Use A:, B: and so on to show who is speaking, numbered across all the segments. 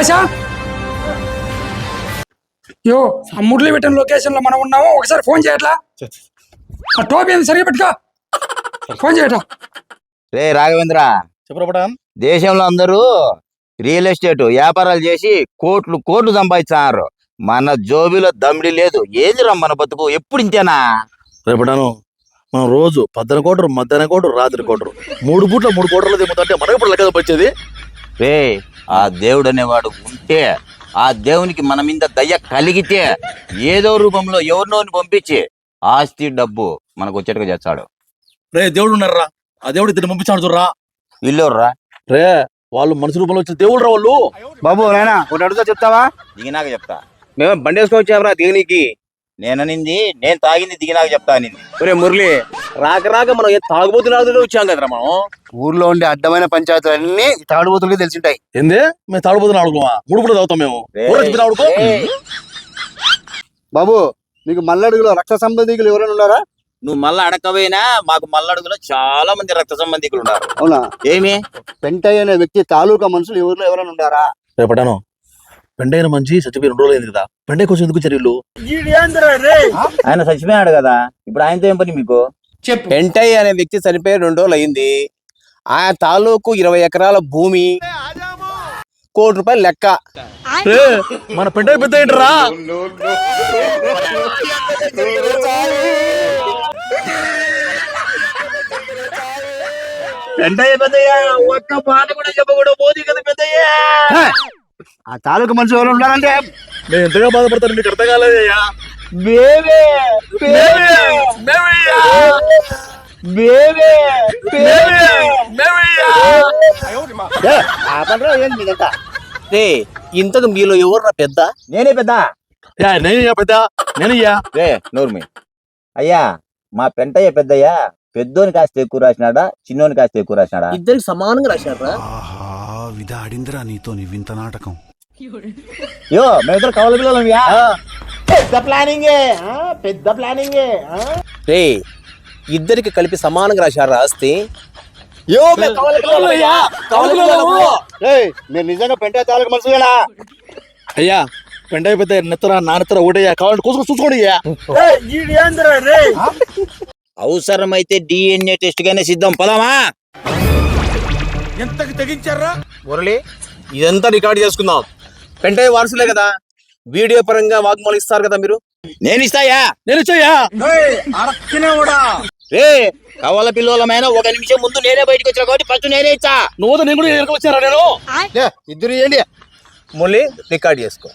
A: పాషా యో ఆ మురళి పెట్టిన లొకేషన్ లో మనం ఉన్నాము. ఒకసారి ఫోన్ చేయట్లా? ఆ టోపీ ఏమి సరిగా పెట్టుకో. ఫోన్ చేయట్లా?
B: రే రాఘవేంద్ర,
C: చెప్పడం
B: దేశంలో అందరూ రియల్ ఎస్టేట్ వ్యాపారాలు చేసి కోట్లు కోట్లు సంపాదిస్తున్నారు. మన జోబిలో దమ్మిడి లేదు. ఏదిరా మన బతుకు? ఎప్పుడు ఇంతేనా?
C: రేపటాను మనం రోజు 10 కోటరు, మధ్యాహ్నం కోటరు, రాత్రి కోటరు, 3 పూట్ల 3 కోటర్లు దిగుతుంటే మనకి ఇప్పుడు లెక్క వచ్చేది.
B: రే ఆ దేవుడు అనేవాడు ఉంటే, ఆ దేవునికి మన మీద దయ కలిగితే ఏదో రూపంలో ఎవరినోని పంపించి ఆస్తి డబ్బు మనకు వచ్చేట్టుగా చేస్తాడు.
C: రే దేవుడు ఉన్నారా, ఆ దేవుడు ఇద్దరు పంపించాడు చూడరా.
B: వీళ్ళెవర్రా?
C: రే వాళ్ళు మనుషు రూపంలో వచ్చిన దేవుడు రా వాళ్ళు.
D: బాబు నాయనా ఒకటి అడుగుతా చెప్తావా?
B: దిగినాక చెప్తా.
D: మేము బండి వేసుకొచ్చామరా దిగనీకి.
B: నేననింది నేను తాగింది దిగినాక చెప్తా అనింది.
D: ఒరే మురళి, రాక రాక మనం తాగుబోతున్నా వచ్చాం కదరా మనం. ఊర్లో ఉండే అడ్డమైన పంచాయతీలన్నీ తాగుబోతులకి తెలిసింటాయి.
C: ఏంది మేము తాగుబోతున్నా ఆడుకోమా? 3 పూట తాగుతాం మేము. ఆడుకో
D: బాబు, మీకు మల్లడుగులో రక్త సంబంధికులు ఎవరైనా ఉన్నారా?
B: నువ్వు మళ్ళా అడకపోయినా మాకు మల్లడుగులో చాలా మంది రక్త సంబంధికులు ఉన్నారు.
D: అవునా?
B: ఏమి
D: పెంటయ్య అనే వ్యక్తి తాలూకా మనుషులు ఊర్లో ఎవరైనా ఉన్నారా?
C: రేపటాను పెండైన మంచి చచ్చిపోయి 2 రోజులు అయింది కదా. పెండై కొంచెం ఎందుకు చర్యలు?
B: ఆయన చచ్చిపోయాడు కదా, ఇప్పుడు ఆయనతో ఏం పని మీకు?
D: పెంటయ్య అనే వ్యక్తి చనిపోయి 2 రోజులు అయింది. ఆ తాలూకు 20 ఎకరాల భూమి, ₹1 కోటి లెక్క.
C: మన పెండై పెద్ద ఏంటరా?
B: పెంటయ్య పెద్దయ్య ఒక్క మాట కూడా చెప్పకూడదు. పోది కదా పెద్దయ్య.
D: ఆ తాలూకా మనుషులు ఎవరైనా ఉన్నారంటే
C: నేను ఎంతగా బాధపడతాను మీకు అర్థం కాలేదయ్యా.
D: ఇంతకు మీలో ఎవరు పెద్ద?
B: నేనే పెద్ద.
C: నేనయ్యా పెద్ద, నేనయ్యా.
B: రే నోర్మి. అయ్యా మా పెంటయ్య పెద్దయ్య పెద్దోని కాస్త ఎక్కువ రాసినాడా, చిన్నోని కాస్త ఎక్కువ రాసినాడా?
D: ఇద్దరికి సమానంగా రాశారా?
E: విధాడిందిరా నీతో నీ వింత నాటకం.
B: యో మేమిద్దరు కవల పిల్లలు.
D: పెద్ద ప్లానింగే. రే ఇద్దరికి కలిపి సమానంగా రాశారా ఆస్తి? మీరు నిజంగా పెంటయ్య తాలూకా మనుషులేనా?
C: అయ్యా పెండై పెద్ద నెత్తరా నా నెత్తరా ఒకటయ్యా, కావాలంటే కూసుకొని చూసుకోండి అయ్యా.
B: అవసరమైతే DNA టెస్ట్ గానే సిద్ధం. పదామా?
C: ఎంతకి తెగించారా?
D: మురళి, ఇదంతా రికార్డ్ చేసుకుందాం. పెంటయ్య వారసులే కదా, వీడియో పరంగా వాగ్మూలం ఇస్తారు కదా మీరు.
B: నేను ఇస్తాయా?
C: నేను ఇచ్చాయా?
B: రే కవల పిల్లలమైన 1 నిమిషం ముందు నేనే బయటకు వచ్చా కాబట్టి ఫస్ట్ నేనే ఇచ్చా.
C: నువ్వు నేను కూడా ఎక్కడికి వచ్చారా? నేను
D: ఇద్దరు ఏంటి? మురళి రికార్డ్ చేసుకో.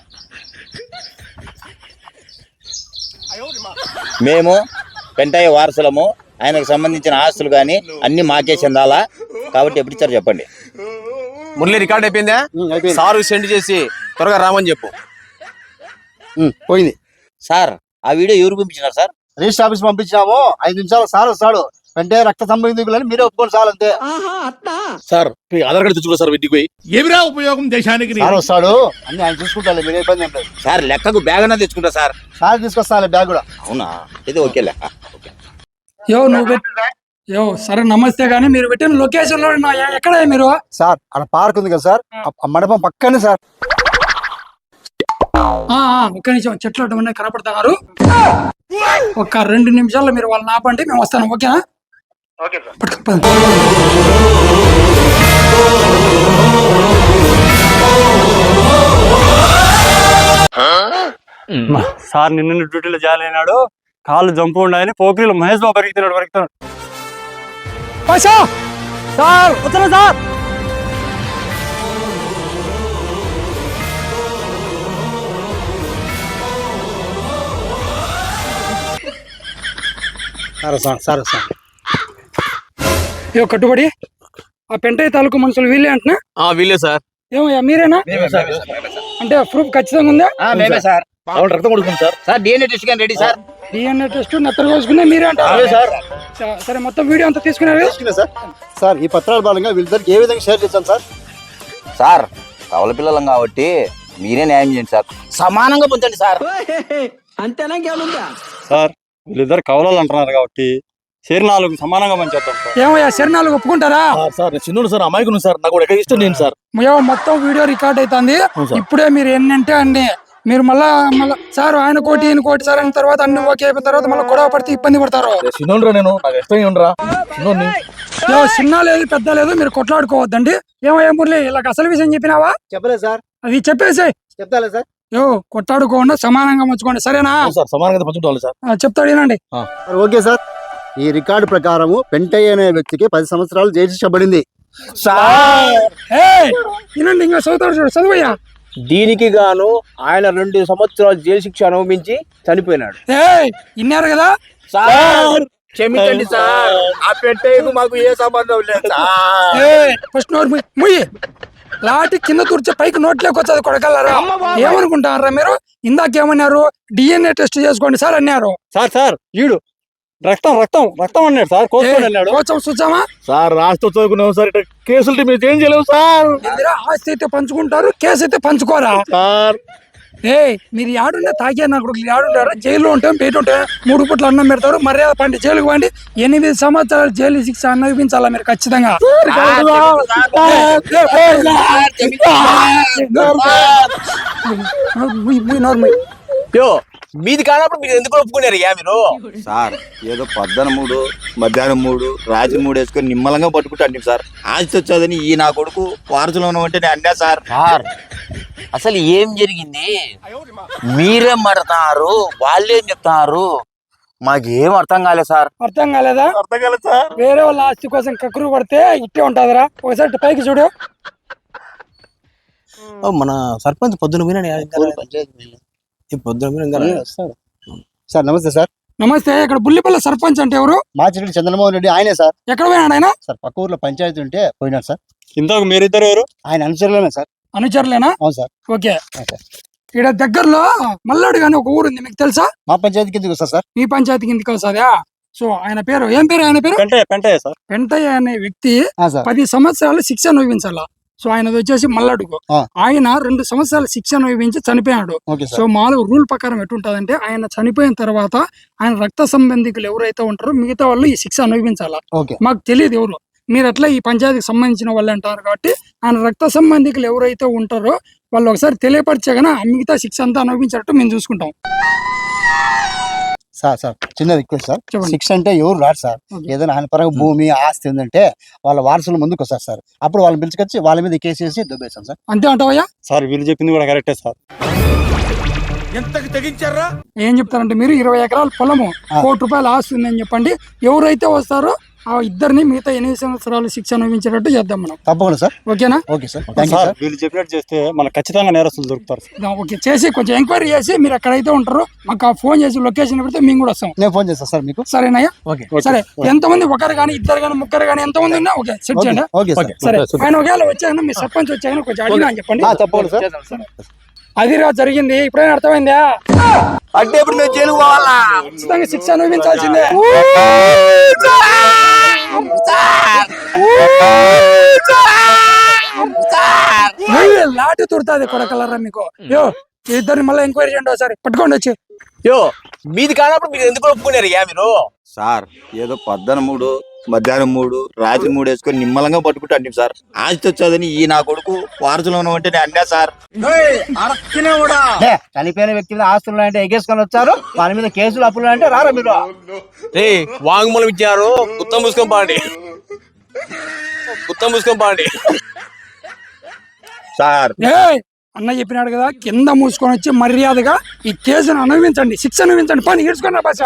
B: మేము పెంటయ్య వారసులము. ఆయనకు సంబంధించిన ఆస్తులు గాని అన్ని మాకే చెందాలా కాబట్టి ఎప్పుడు ఇచ్చారు చెప్పండి.
D: మురళి రికార్డ్ అయిపోయిందా? సార్ సెండ్ చేసి త్వరగా రామని చెప్పు. పోయింది
B: సార్. ఆ వీడియో ఎవరు పంపించినారు సార్?
D: రిజిస్టర్ ఆఫీస్ పంపించాము. 5 నిమిషాలు సార్ వస్తాడు. అంటే రక్త సంబంధికులని మీరే ఒప్పుకోండి సార్, అంతే.
C: సార్ మీ ఆధార్ కార్డు తెచ్చుకో సార్. ఇంటికి పోయి ఏమిరా ఉపయోగం దేశానికి?
D: సార్ వస్తాడు, అన్ని ఆయన చూసుకుంటారు, మీరే ఇబ్బంది ఏం లేదు.
B: సార్ లెక్కకు బ్యాగ్ అన్నా తెచ్చుకుంటా సార్.
D: సార్ తీసుకొస్తాను బ్యాగ్ కూడా.
B: అవునా? ఇది ఓకే లెక్క.
A: యో నువ్వు యో సరే నమస్తే గానీ మీరు పెట్టిన లొకేషన్ లో ఎక్కడ మీరు?
D: సార్ అక్కడ పార్క్ ఉంది కదా సార్, ఆ మండపం పక్కనే సార్.
A: ఒక్క నిమిషం, చెట్లు అడ్డమన్నా కనపడుతున్నారు. ఒక 2 నిమిషాల్లో మీరు వాళ్ళని ఆపండి, మేము వస్తాను. ఓకేనా?
F: సార్ నిన్న డ్యూటీలో జాయిన్ అయినాడు. కాళ్ళు జంపు ఉండాలని పోకిరీలో మహేష్ బాబు పరిగెత్తున్నాడు.
A: సార్ వస్తున్నా సార్.
D: సార్
A: ఏ కట్టుబడి ఆ పెంటయ్య తాలూకు మనుషులు వీళ్ళే అంటున్నా?
D: వీళ్ళే సార్.
A: ఏమయ్యా మీరేనా? అంటే ప్రూఫ్ ఖచ్చితంగా ఉందా?
B: మేమే సార్.
C: రక్తం కొడుతుంది సార్.
B: సార్ DNA టెస్ట్ గాని రెడీ సార్.
A: DNA టెస్ట్ నెత్తరు కోసుకునే మీరే అంటారు
C: సార్.
A: సరే మొత్తం వీడియో అంతా తీసుకున్నారు
D: సార్. సార్ ఈ పత్రాల భాగంగా వీళ్ళిద్దరికి ఏ విధంగా షేర్ చేస్తాం సార్?
B: సార్ కవల పిల్లలం కాబట్టి మీరే న్యాయం చేయండి సార్. సమానంగా పొందండి సార్.
F: సార్ వీళ్ళిద్దరు కవలాలు అంటున్నారు కాబట్టి షేర్ 4 సమానంగా పంచేద్దాం సార్.
A: ఏమయ్యా శరణాలు ఒప్పుకుంటారా?
C: సార్ నేను చిన్నోడు సార్, అమాయకుడు సార్, నాకు ఎక్కడ ఇష్టం నేను సార్.
A: ఏమో మొత్తం వీడియో రికార్డ్ అవుతుంది.
C: అవును సార్.
A: ఇప్పుడే మీరు ఎన్నంటే అన్ని మీరు మళ్ళా సార్ ఆయన కోటి ఈయన కోటి సార్ అయిన తర్వాత అన్ని ఓకే అయిపోయిన తర్వాత మళ్ళీ గొడవ పడితే ఇబ్బంది పడతారు.
C: చిన్నోడురా నేను, నాకు ఇష్టం ఉండరా చిన్నోడిని.
A: చిన్న లేదు పెద్ద లేదు, మీరు కొట్లాడుకోవద్దండి. ఏమయ్యా మురళి ఇలా అసలు విషయం చెప్పినావా?
D: చెప్పలేదు సార్.
A: అది చెప్పేసి
D: చెప్తాలే సార్.
A: కొట్లాడుకోండి, సమానంగా పంచుకోండి, సరేనా?
C: సార్ సమానంగా పంచుకోవాలి సార్.
A: చెప్తాడు వినండి.
G: Okay sir. ఈ రికార్డు ప్రకారము పెంటయ్య అనే వ్యక్తికి 10 సంవత్సరాలు జైలు శిక్ష పడింది.
A: వినండి, ఇంకా చదువుతాడు చూడు, చదువయ్యా.
D: దీనికి గాను ఆయన 2 సంవత్సరాలు జైలు శిక్ష అనుభవించి చనిపోయినాడు.
A: విన్నారు కదా
D: సార్ క్షమించండి సార్, ఆ పెట్టేకు మాకు ఏ సంబంధం లేదు సార్.
A: ఫస్ట్ నోట్ ముయ్యి లాటి కింద తుడిచే పైకి నోట్లోకి వచ్చేది కొడగలరా? ఏమనుకుంటారా మీరు? ఇందాకేమన్నారు? DNA టెస్ట్ చేసుకోండి సార్ అన్నారు.
F: సార్ ఈడు రక్తం రక్తం రక్తం అన్నాడు సార్. కోసుకొని అన్నాడు.
A: కోసం చూసామా
C: సార్ రాష్ట్రం చదువుకున్నాం సార్, ఇట్లా కేసులు మీరు ఏం చేయలేము సార్.
A: ఆస్తి అయితే పంచుకుంటారు, కేసు అయితే పంచుకోరా?
C: సార్
A: మీరు ఆడుంటే తాగే నా కొడుకులు ఆడుంటారు, జైల్లో ఉంటాం, బయట ఉంటాం, 3 పూట్ల అన్నం పెడతారు, మర్యాద పండి జైలుకు పండి 8 సంవత్సరాలు జైలు శిక్ష అనుభవించాలా మీరు ఖచ్చితంగా.
D: మీది కానప్పుడు మీరు ఎందుకు ఒప్పుకున్నారు మీరు?
B: సార్ ఏదో 13 మధ్యాహ్నం 3 రాత్రి 3 వేసుకొని నిమ్మలంగా పట్టుకుంటాను సార్. ఆస్తి వచ్చేదని ఈ నా కొడుకు వారసులో ఉన్నవంటే నేను అన్నా సార్. సార్ అసలు ఏం జరిగింది? మీరేం పడతారు, వాళ్ళేం చెప్తారు, మాకేం అర్థం కాలేదు సార్.
A: అర్థం కాలేదా?
C: అర్థం కాలేదు సార్.
A: వేరే వాళ్ళ ఆస్తి కోసం కక్కురు పడితే ఇట్టే ఉంటదిరా. ఒకసారి పైకి చూడు.
D: మన సర్పంచ్ పొద్దున
G: సార్ నమస్తే సార్.
A: నమస్తే. ఇక్కడ బుల్లిపల్లి సర్పంచ్ అంటే ఎవరు?
G: మాచిరెడ్డి చంద్రమోహన్ రెడ్డి ఆయనే సార్.
A: ఎక్కడ పోయినాడు ఆయన?
G: సార్ పక్క ఊర్లో పంచాయతీ ఉంటే పోయినాడు సార్.
F: ఇంతకు మీరిద్దరు ఎవరు?
G: ఆయన అనుచరులేనా సార్?
A: అనుచరులేనా?
G: అవును సార్.
A: ఓకే. ఇక్కడ దగ్గరలో మల్లాడు గాని ఒక ఊరు ఉంది, మీకు తెలుసా?
G: మా పంచాయతీ కిందకి వస్తా సార్.
A: మీ పంచాయతీ కిందకి వస్తుందా? సో ఆయన పేరు ఏం పేరు? ఆయన పేరు
F: పెంటయ్య సార్.
A: పెంటయ్య అనే వ్యక్తి
G: సార్
A: 10 సంవత్సరాలు శిక్ష అనుభవించాల. సో ఆయనది వచ్చేసి మల్లడుగు. ఆయన 2 సంవత్సరాల శిక్ష అనుభవించి చనిపోయాడు.
G: Okay
A: so
G: sir.
A: మామూలుగా రూల్ ప్రకారం ఎటుంటదంటే ఆయన చనిపోయిన తర్వాత ఆయన రక్త సంబంధికులు ఎవరైతే ఉంటారో మిగతా వాళ్ళు ఈ శిక్ష అనుభవించాలా.
G: ఓకే.
A: మాకు తెలియదు ఎవరు, మీరు అట్లా ఈ పంచాయతీకి సంబంధించిన వాళ్ళు అంటారు కాబట్టి ఆయన రక్త సంబంధికులు ఎవరైతే ఉంటారో వాళ్ళు ఒకసారి తెలియపరిచేగానే మిగతా శిక్ష అంతా అనుభవించినట్టు మేము చూసుకుంటాం.
G: సార్ చిన్న రిక్వెస్ట్ సార్.
A: చెప్పండి.
G: 6 అంటే ఎవరు రాడు సార్. ఏదైనా ఆయన పరంగా భూమి ఆస్తి ఉందంటే వాళ్ళ వారసులు ముందుకు వస్తారు సార్. అప్పుడు వాళ్ళని పిలుచుకొచ్చి వాళ్ళ మీద కేసు వేసి దుబ్బేస్తాం సార్.
A: అంతే అంటావయ్యా?
F: సార్ వీళ్ళు చెప్పింది కూడా కరెక్టే సార్.
A: ఏం చెప్తారంటే మీరు 20 ఎకరాల పొలము, 1 కోటి రూపాయల ఆస్తి ఉందని చెప్పండి. ఎవరైతే వస్తారో ఆ ఇద్దరిని మిగతా 8 సంవత్సరాలు శిక్ష అనుభవించేటట్టు చేద్దాం మనం.
G: తప్పకుండా సార్.
A: ఓకేనా?
G: Okay sir. Thank you
F: sir
G: sir.
F: వీళ్ళు చెప్పినట్టు చేస్తే మనకు ఖచ్చితంగా నేరస్తులు దొరుకుతారు సార్.
A: ఓకే చేసి కొంచెం ఎంక్వైరీ చేసి మీరు ఎక్కడైతే ఉంటారో మాకు ఆ ఫోన్ చేసి లొకేషన్ పెడితే మేము కూడా వస్తాం.
G: నేను ఫోన్ చేస్తాను సార్ మీకు.
A: సరేనయ్యా?
G: ఓకే.
A: సరే. ఎంతమంది, ఒకరు కానీ ఇద్దరు కానీ ముగ్గురు కానీ ఎంతమంది ఉన్నా ఓకే సెట్ చేయండి.
G: Okay sir.
A: సరే. ఆయన ఒకవేళ వచ్చాక మీ సర్పంచ్ వచ్చాక కొంచెం అడిగినా అని చెప్పండి.
G: తప్పకుండా సార్.
A: అది జరిగింది. ఇప్పుడైనా అర్థమైందా?
D: అంటే ఇప్పుడు మేము జైలుకు పోవాలా?
A: ఖచ్చితంగా శిక్ష అనుభవించాల్సిందే. లాటి తుడుతుంది కొడకలరా మీకు. ఇద్దరిని మళ్ళీ ఎంక్వైరీ చేయండి ఒకసారి, పట్టుకోండి వచ్చి.
D: మీది కానప్పుడు మీరు ఎందుకు ఒప్పుకున్నారు మీరు?
B: సార్ ఏదో 13 మధ్యాహ్నం 3 రాత్రి 3 వేసుకొని నిమ్మలంగా పట్టుకుంటాను సార్. ఆస్తి వచ్చేదని ఈ నా కొడుకు వారసులో ఉన్నవంటే నేను అన్నా సార్.
G: చనిపోయిన వ్యక్తి మీద ఆస్తులు అంటే ఎగేసుకొని వచ్చారు, వాళ్ళ మీద కేసులు అప్పులు అంటే రారా మీరు?
D: వాంగ్మూలం ఇచ్చారు, గుత్తం మూసుకొని పాండి.
B: సార్
A: అన్న చెప్పినాడు కదా, కింద మూసుకొని వచ్చి మర్యాదగా ఈ కేసును అనుభవించండి, శిక్ష అనుభవించండి. పని ఈడ్చుకున్న భాష.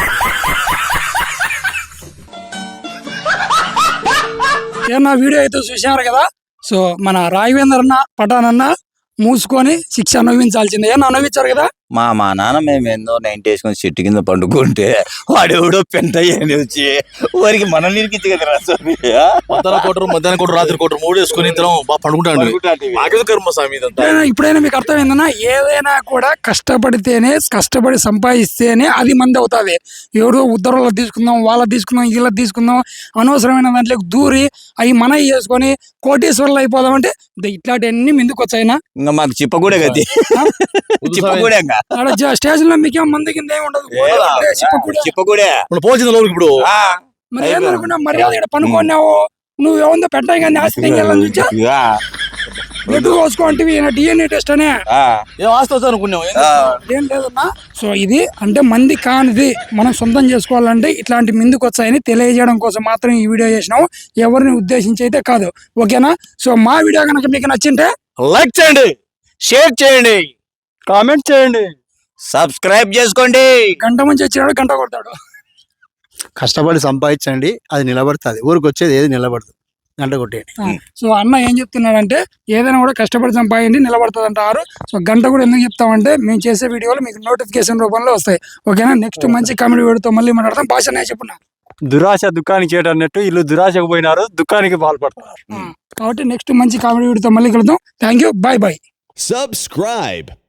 A: ఏమన్నా వీడియో అయితే చూసినారు కదా. సో మన రాఘవేంద్ర అన్న పఠాన్ అన్న మూసుకొని శిక్ష అనుభవించాల్సిందే. ఏమన్నా అనుభవించారు కదా.
B: మా నాన్న మేమేందో 90 వేసుకొని చెట్టు కింద పండుకుంటే వాడెవడో పెంటయ్య అని వచ్చి వారికి మనం నిరికించి కదరా స్వామి.
C: మధ్యాహ్నం కోటరు రాత్రి కోటరు 3 వేసుకొని ఇద్దరం బాగా పండుకుంటాడు. కర్మ స్వామి ఇదంతా.
A: ఇప్పుడైనా మీకు అర్థమైందన్నా, ఏదైనా కూడా కష్టపడితేనే, కష్టపడి సంపాదిస్తేనే అది మంది అవుతుంది. ఎవరో ఉద్దరులో తీసుకుందాం, వాళ్ళ తీసుకుందాం, వీళ్ళ తీసుకుందాం, అనవసరమైన దాంట్లో దూరి అవి మన చేసుకొని కోటీశ్వర్లు అయిపోదాం అంటే ఇట్లాంటివన్నీ ముందుకు వచ్చాయినా.
B: ఇంకా మాకు చిప్పకూడే గది, చిప్పకూడే
A: స్టేషన్ లో మీకేం మంది కింద ఏమి ఉండదు.
B: చిప్పకూడే
C: పోచింది ఇప్పుడు.
A: మరి ఏందనుకున్నా మర్యాద ఇక్కడ పనుకున్నావు నువ్వు ఏముందో పెట్టాయి కానీ ఆస్తి చూచా బ్లడ్ కోసుకోంటివి డిఎన్ఏ టెస్ట్ అనే
C: ఏం ఆస్తి వస్తా అనుకున్నావు
A: ఏం లేదన్నా. సో ఇది అంటే మంది కానిది మనం సొంతం చేసుకోవాలంటే ఇట్లాంటి ముందుకు వచ్చాయని తెలియజేయడం కోసం మాత్రం ఈ వీడియో చేసినాము, ఎవరిని ఉద్దేశించి అయితే కాదు. ఓకేనా? సో మా వీడియో కనుక మీకు నచ్చింటే
D: లైక్ చేయండి, షేర్ చేయండి,
F: కామెంట్ చేయండి,
B: సబ్స్క్రైబ్ చేసుకోండి.
A: గంట మంచి వచ్చినాడు గంట కొడతాడు.
G: కష్టపడి సంపాదించండి, అది నిలబడుతుంది. ఊరికి వచ్చేది ఏది నిలబడదు, గంట కొట్టేయండి.
A: సో అన్న ఏం చెప్తున్నాడంటే ఏదైనా కూడా కష్టపడి సంపాదించి నిలబడుతుంది అంటారు. సో గంట కూడా ఎందుకు చెప్తామంటే మేము చేసే వీడియోలు మీకు నోటిఫికేషన్ రూపంలో వస్తాయి. ఓకేనా? నెక్స్ట్ మంచి కామెడీ వీడియోతో మళ్ళీ మాట్లాడతాం. భాషనే చెప్పున్నా
F: దురాశ దుఃఖానికి చేయటన్నట్టు వీళ్ళు దురాశకు పోయినారు, దుఃఖానికి పాల్పడతారు.
A: కాబట్టి నెక్స్ట్ మంచి కామెడీ వీడియోతో మళ్ళీ కలుద్దాం. Thank you, bye bye.
H: Subscribe.